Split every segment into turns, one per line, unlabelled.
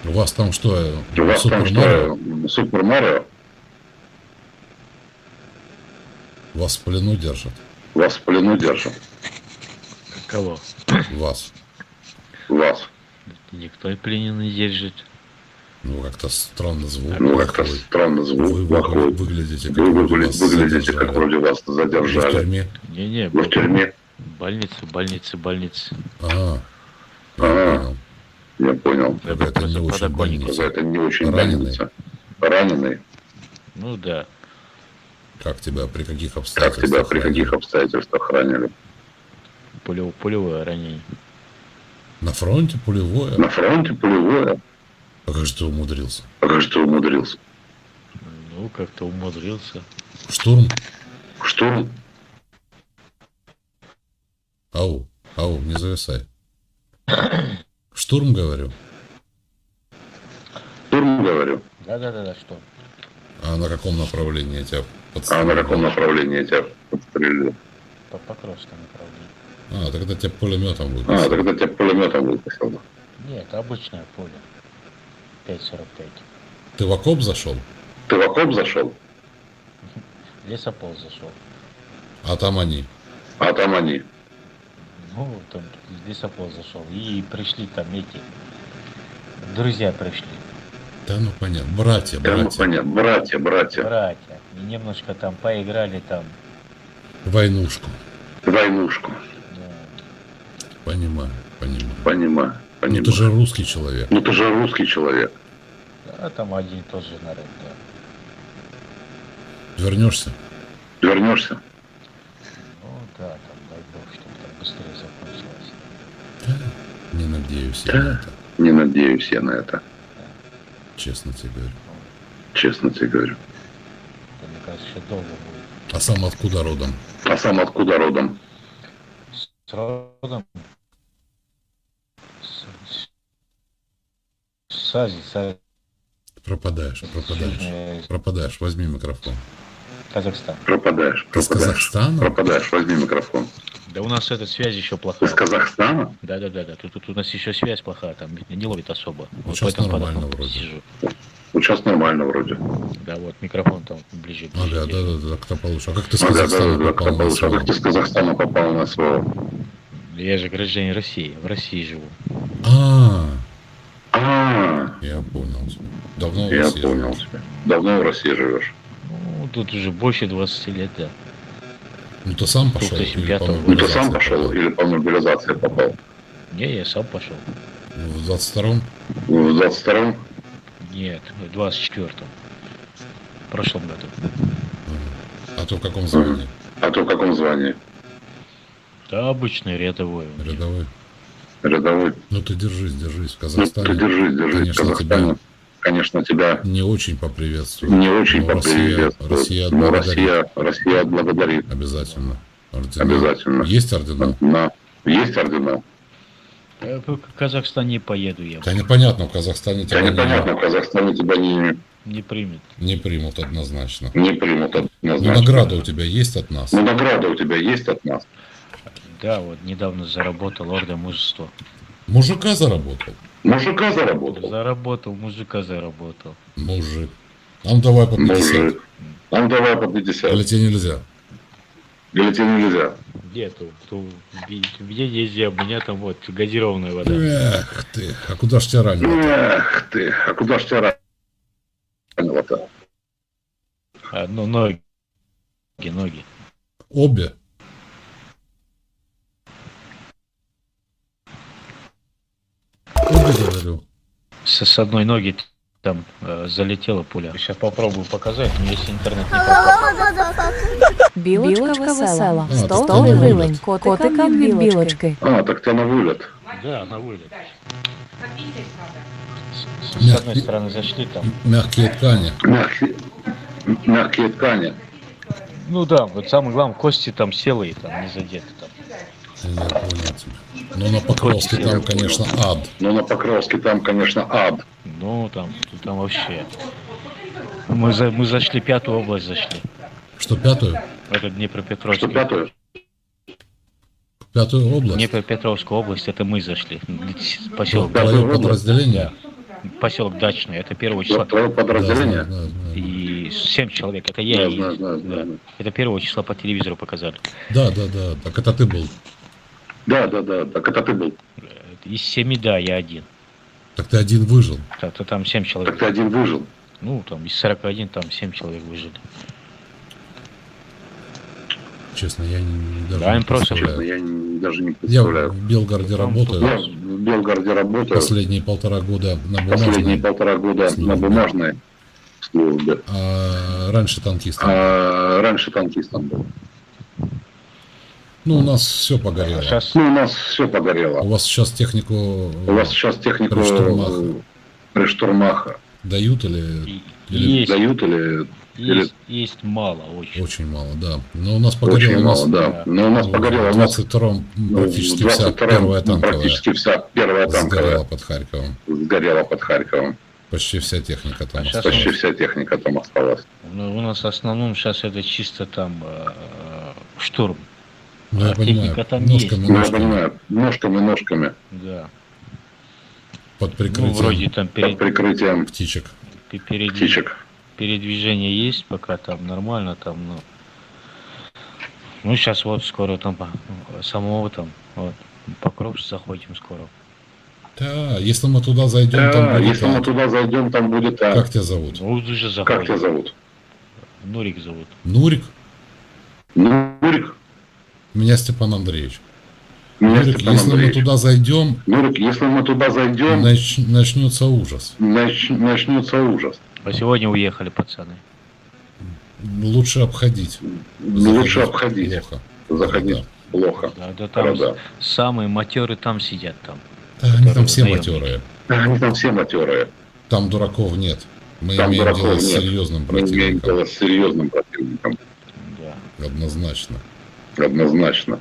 У вас там что?
У вас там
Супер Марио?
что? Супер Марио?
Вас в плену держат?
Вас в плену держат?
Кого?
Вас.
Вас.
Никто и пленный не держит.
Ну, как-то странно звук.
Ну, как-то
плохой.
странно звук
Вы
плохой.
выглядите, как
Вы
вроде вас
выглядите, как
задержали.
вроде вас
Вы в
задержали.
тюрьме?
Не-не,
Вы в тюрьме?
больница.
Ага. Я
Ага.
понял.
Я понял.
Какая-то не очень
подоконник.
больница.
Это не очень
Раненый?
больница. Раненый?
Ну да.
Как тебя, при каких
Как
обстоятельствах
тебя при
ранили?
каких обстоятельствах ранили?
Пулевое ранение.
На фронте пулевое?
На фронте пулевое?
А как же ты умудрился?
А как же ты умудрился?
Ну, как-то умудрился.
Штурм?
Штурм?
Ау, не зависай. Штурм, говорю.
Штурм, говорю.
Да, что?
А на каком направлении тебя
А
подстрелили?
на каком направлении тебя подстрелили?
По Покровскому направлению.
А, тогда тебя пулеметом
А,
выпустили.
тогда тебя пулеметом выпустил.
Нет, обычное поле. 5,45.
Ты в окоп зашел?
Ты в окоп зашел?
Лесопол зашел.
А там они.
А там они.
Ну, там лесопол зашел. И пришли там эти. Друзья пришли.
Да ну понятно. Братья.
Понятно. Братья.
Братья. И немножко там поиграли там.
Войнушку.
Войнушку.
Ну,
Понимаю.
Понимаю.
Ну ты же русский человек.
Ну ты же русский человек.
а там один тоже народ, да.
Вернешься?
Вернешься?
Ну да, там дай бог, чтобы там быстрее закончилось.
Не надеюсь я на это.
Не надеюсь я на это.
Честно тебе говорю.
Честно тебе говорю.
Это, мне кажется, еще долго будет.
А сам откуда родом?
А сам откуда родом?
С родом. С Азии,
Пропадаешь.
Южная-
Пропадаешь. Возьми микрофон.
Казахстан.
Пропадаешь.
Ты с Казахстана?
Пропадаешь. Возьми микрофон.
Да у нас эта связь еще
Ты
плохая.
с Казахстана?
Да. Тут у нас еще связь плохая, там не ловит особо. Вот
сейчас
поэтому
нормально
под окном
вроде.
сижу.
Ну, сейчас нормально вроде.
Да, вот микрофон там ближе.
Ага,
держи.
да, как-то получше. А как ты с
Да,
Казахстана
как
попал на
получилось. А
СВО?
как ты с Казахстана попал на СВО?
Я же гражданин России, в России живу.
А,
А,
я понял тебя. Давно в
я
России
понял
живешь?
тебя. Давно в России живешь?
Ну, тут уже больше 20 лет, да.
Ну ты сам пошел? Или
2005
по
года.
Ну ты сам
мобилизации
пошел
попал?
или по мобилизации попал?
Не, я сам пошел.
В 22-м?
В 22-м?
Нет, в 24-м. В прошлом году.
А ты в каком звании?
А то в каком звании?
Да, обычный рядовой.
Рядовой?
Рядовой?
Ну ты держись. В
Ну
Казахстане,
ты держись. В
конечно,
Казахстане, конечно, тебя
не очень поприветствую.
не очень
Но
поприветствует.
Россия
Но
отблагодарит.
Россия отблагодарит.
Обязательно. Ордена.
Обязательно.
Есть ордена?
Есть ордена?
В Казахстан не поеду я.
Понятно, в Казахстане
Да
тебя
непонятно, в Казахстане тебя
Не примет.
не примут однозначно.
не примут
Ну,
однозначно.
награда у тебя есть от нас?
Ну, награда у тебя есть от нас?
Да, вот недавно заработал орден мужества.
Мужика заработал?
Мужика заработал?
Заработал, мужика заработал.
Мужик. А ну давай по 50.
Мужик. А ну давай по 50.
Или тебе нельзя?
Или тебе нельзя?
Где-то, где нельзя, у меня там вот газированная вода.
Эх ты, а куда ж тебя ранило?
Эх ты, а куда ж тебя ранило-то?
Ну, ноги.
Обе? Обе, говорю.
С одной ноги там залетела пуля. Сейчас попробую показать, но если интернет не пропал.
Білочка весела,
А,
стол
так
і
вона
вилень,
вилять.
котикам від білочки.
А, так ты на вылет.
Да, на вылет. С одной стороны зашли там.
Мягкие ткани.
Мягкие ткани.
Ну да, вот самое главное, кости там селые, там не задеты там.
Я понял тебя. Ну на Покровске там, конечно, ад.
Ну, на Покровске там, конечно, ад.
Ну там вообще. Мы зашли, 5-ю область зашли.
Что, пятую?
Это Днепропетровская.
Что, 5-ю?
Пятую область?
Днепропетровская область, это мы зашли. Поселок.
Твое
Пятую область?
подразделение?
поселок Дачный, это 1 числа.
Твое
Да,
подразделение?
знаю, знаю.
И 7 человек, это я
Да,
и есть.
знаю,
Да.
знаю.
Это 1 числа по телевизору показали.
Да, так это ты был.
Да, так это ты был.
Из 7, да, я один.
Так ты один выжил.
То там 7
Так
человек.
ты один выжил.
Ну, там из 41, там 7 человек выжили.
Честно, я даже
Да,
не
им просто
Честно,
представляю.
я даже не
Я
представляю.
в Белгороде
Я
работаю.
в Белгороде работаю
Последние 1,5 года на
последние
бумажной,
1,5 года
службе.
на бумажной службе.
а раньше танкистом.
А раньше танкистом был.
Ну, у нас все погорело.
Сейчас
Ну, у нас все погорело.
У вас сейчас технику
У вас сейчас технику
при штурмах
при штурмах
дают или
есть,
дают или
есть мало очень.
очень мало, да. Но у нас погорело.
очень
У нас
мало, да. Но у нас погорело.
в
У нас
22-м
в
практически вся
22-м
первая танковая
практически вся первая
сгорела
танковая
под Харьковом.
сгорела под Харьковом.
Почти вся техника там
А щас
осталась.
Почти вся техника там осталась.
Ну, у нас в основном сейчас это чисто там штурм.
Ну, я
а
понимаю,
техника там
ножками,
Ну, я
ножками,
понимаю, ножками
Да.
под
Ну,
прикрытием
вроде там
под прикрытием
птичек.
птичек.
передвижение есть, пока там нормально, там, ну, сейчас вот скоро там самого там, вот, Покровск заходим скоро.
Да, если мы туда зайдем, там
Да,
будет
если мы
ад.
туда зайдем, там будет
Как тебя зовут?
Ну, уже
Как тебя
заходим.
зовут?
Нурик зовут.
Нурик?
Нурик.
Меня Степан Андреевич.
Меня
Нурик,
Степан
если мы
Андреевич.
туда зайдем,
Нурик, если мы туда зайдем,
начнется ужас.
начнется ужас.
А сегодня уехали пацаны.
Лучше обходить.
Лучше
Заходить
обходить.
Плохо.
Заходить
Да.
плохо.
Да, там
Города.
самые матеры там сидят там.
Да, они там все
наемники.
матерые.
Они там все матерые.
Там дураков нет. Мы
Там
имеем
дураков
дело с
нет.
серьезным
Мы имеем
противником.
дело с серьезным противником.
Да.
Однозначно.
Однозначно.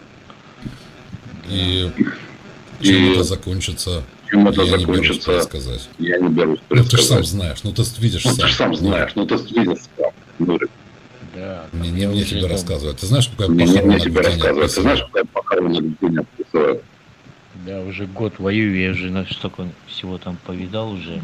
И чем
И
это закончится,
чем это
я не берусь
закончится,
предсказать.
я не берусь
Ну, ты же сам
предсказать.
знаешь, ну ты видишь
Ну,
сам.
ты же сам знаешь, ну ты видишь сам. Нурик.
Да.
Мне,
там
не
я
мне
уже
тебе
там-
рассказывать. Ты знаешь, какое
Мне
похоронное
тебе
наблюдение
рассказывать. Ты
описываю?
знаешь, какая похоронное наблюдение описываю?
Да, уже год воюю, я уже столько всего там повидал уже.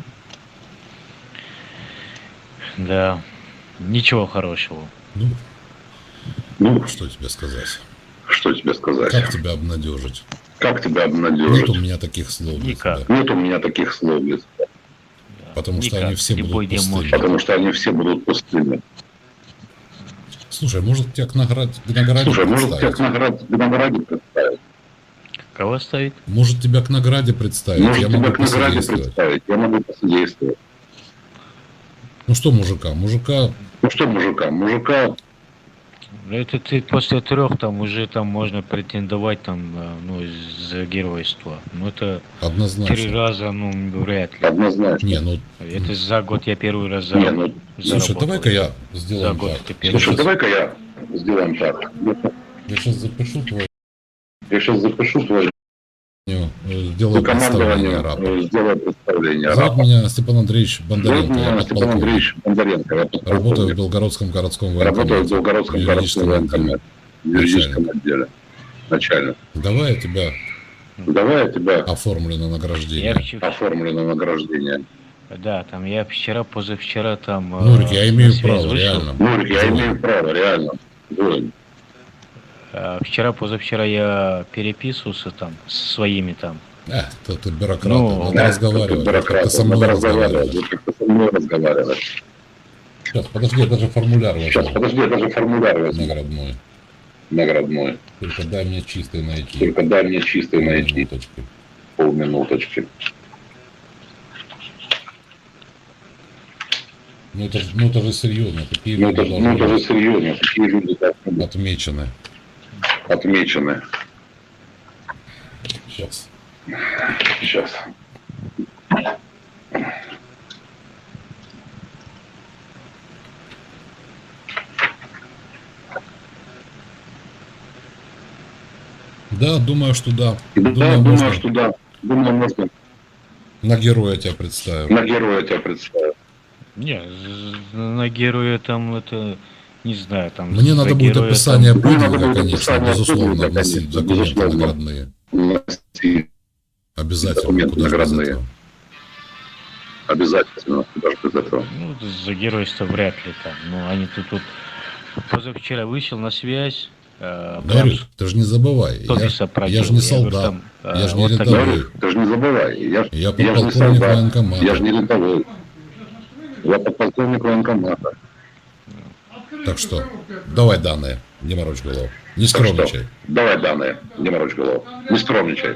Да, ничего хорошего.
Ну,
Что тебе сказать?
что тебе сказать?
Как тебя обнадежить?
Как тебя
Нет у
обнадежить?
меня таких слов для
Никак.
тебя.
Нет у меня таких слов,
Да.
Потому что
Никак,
они все
любой
будут
день
пустыми.
может.
потому что они все будут пустыми.
Слушай, может тебя к награде
Слушай, может тебя
представить?
к награде представить?
Кого ставить?
Может тебя к награде представить?
Может
Я
тебя
могу
к награде
посодействовать.
представить? Я могу посодействовать.
Ну что мужика? Мужика,
Ну что мужика? Мужика,
Это ты после 3 там уже там можно претендовать там, ну, за геройство. Ну это 3
однозначно.
раза, ну, вряд ли.
однозначно.
Не, ну,
Это за год я первый раз
Не, ну,
слушай,
заработал.
давай-ка я
За
сделаем
год
так.
ты первый.
Слушай, давай-ка я сделаем так.
Я сейчас запишу твою,
Я сейчас запишу твое
сделаю представление
командование,
рапорт.
сделаю представление.
Зовут меня Степан Андреевич
Зовут
Бондаренко, я
меня Степан
подполковник.
Андреевич Бондаренко. Я
Работаю в
подполковник.
Белгородском городском
Работаю в
военкомате.
Белгородском городском военкомате. В юридическом отделе. Начальник.
Давай я тебя
Давай я тебя
оформлю на
Я
награждение.
оформлю на награждение.
Да, там я вчера, позавчера там...
Нурик, я
на
имею
связь
право,
вышел.
реально.
Нурик, я
Воин.
имею право, реально. Воин.
Вчера, позавчера я переписывался там с своими там.
Ты бюрократ,
Ну,
надо
Да,
разговаривать,
бюрократ,
как ты со
надо
мной
разговаривать.
разговариваешь.
Вот как ты со мной разговариваешь.
Сейчас, подожди, я даже формуляр
Сейчас,
возьму
подожди, я даже формуляр возьму.
наградной.
Наградной.
Только дай мне чистый найти.
Только дай мне чистый найти.
Минуточку.
Полминуточки.
Ну это же серьезно, такие
Ну
люди
это
должны
же
быть
серьезно. Такие люди должны быть
отмечены.
отмечены.
Сейчас.
Сейчас.
Да, думаю, что да.
Да,
Думаю,
думаю,
можно
что да. Думаю, можно
на героя тебя представим.
на героя тебя представить.
Не, на героя там это, не знаю, там...
Мне
за
надо будет
героя
описание
там-
Мне надо
подвига,
будет
конечно,
описание
безусловно,
подвига,
вносить в
конечно,
документы
безусловно.
наградные.
Вносить
Обязательно.
документы
Куда же без
наградные.
этого?
Обязательно, даже без этого.
Ну, за геройство вряд ли там. Ну, они тут позавчера вышел на связь.
Гарик, ты же не забывай, я же не солдат, я же не рядовой.
Ты же не забывай, я ж не
подполковник
солдат,
военкомата.
я же не рядовой. Я подполковник военкомата.
Так что, давай данные, не морочь голову. Не
Так что,
скромничай.
давай данные, не морочь голову. Не скромничай.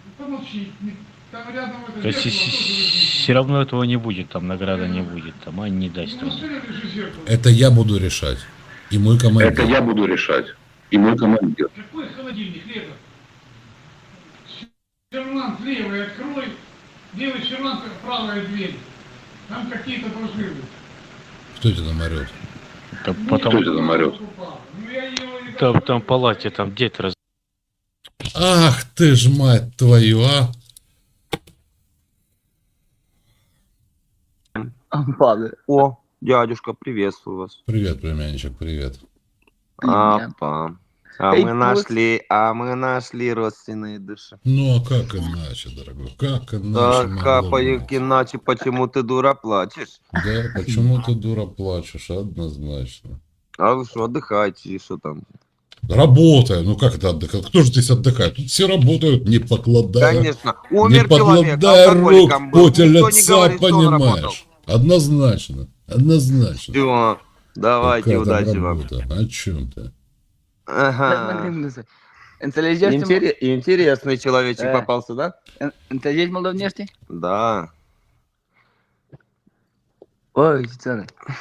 То есть все равно этого не будет, там награда не будет, там они не даст. Там.
Это я буду решать. И мой командир.
Это я буду решать. И мой командир.
Какой холодильник, Лето? Сервант левый открой, левый сервант правая дверь. Там какие-то должны быть.
Кто это там орет?
Там
Кто
потом
это там орет?
Ну я его
там в палате там дед раз.
Ах ты ж мать твою, а!
Падает. О, дядюшка, приветствую вас.
Привет, племянничек, привет.
Апа. А
Эй,
мы нашли родственные души.
Ну а как иначе, дорогой? Как иначе?
Так,
могло
капает
быть?
иначе, почему ты, дура, плачешь?
Да, почему ты, дура, плачешь? Однозначно.
А вы что, отдыхаете, и что там?
Работаю. Ну как это отдыхать? Кто же здесь отдыхает? Тут все работают, не покладая.
Конечно,
Не
умер человек,
покладая рук
алкоголиком
в
был.
поте
Никто не
лица,
говорит, что он работал.
понимаешь? Однозначно. Однозначно.
Всё, давайте,
Какая там
удачи вам.
работа? О чем ты?
Ага.
Înțelegeți,
Интересный человечек попался, да?
înțelegeți moldovenește?
Да.
Ой, țară.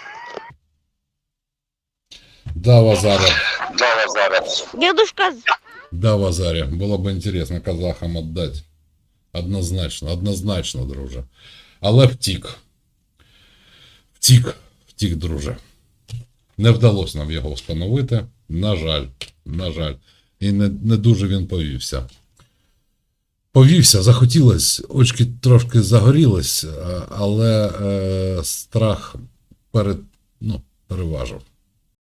Да, Вазаря.
Дедушка,
Да, Вазаря. Было бы интересно казахам отдать. Однозначно, однозначно, друже. Але втік. Втік, друже. Не вдалося нам його встановити. На жаль. І не дуже він повівся. Захотілось, очки трошки загорілись, але страх переважив.